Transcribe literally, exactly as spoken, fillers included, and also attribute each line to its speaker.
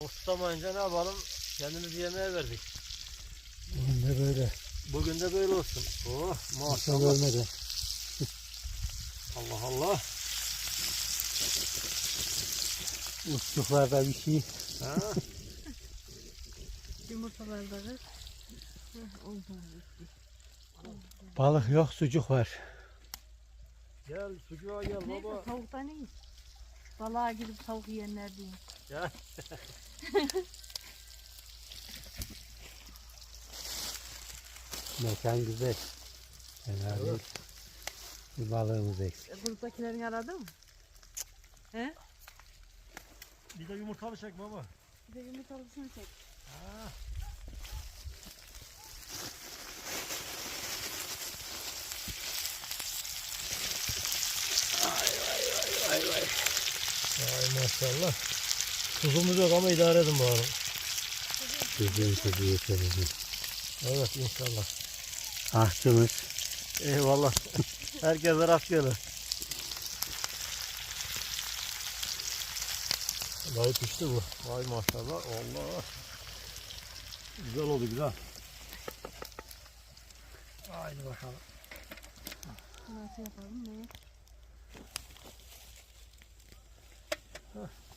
Speaker 1: Tutamayınca ne yapalım? Kendimizi yemeğe verdik.
Speaker 2: Bugün de böyle.
Speaker 1: Bugün de böyle olsun. Oh
Speaker 2: Maşallah
Speaker 1: maşallah.
Speaker 2: ölmedi.
Speaker 1: Allah Allah.
Speaker 2: Uçluklarda bir şey.
Speaker 1: Ha?
Speaker 3: Yumurtalarda da.
Speaker 2: Balık yok, sucuk var.
Speaker 1: Gel sucuğa gel
Speaker 3: Neyse
Speaker 1: baba.
Speaker 3: tavuktan iyi. Balığa gidip tavuk yiyenler diyeyim.
Speaker 1: Gel.
Speaker 2: Mekan güzel. Fena değil. Bir balığımız eksik.
Speaker 3: E, Gruptakilerini aradın mı? He?
Speaker 1: Bir de yumurtalı çek baba.
Speaker 3: Bir de yumurtalısını çek.
Speaker 1: Ha.
Speaker 2: Vay vay.
Speaker 1: Ay maşallah. Tuzumuz yok ama idare edin bakalım.
Speaker 2: Güzel tuzu yeterli.
Speaker 1: Evet inşallah.
Speaker 2: Ahçımız.
Speaker 1: Eyvallah. Herkese rastgele. Vallahi pişti bu. Vay maşallah. Allah. Güzel oldu güzel. Haydi bakalım.
Speaker 3: Nasıl yapalım ne?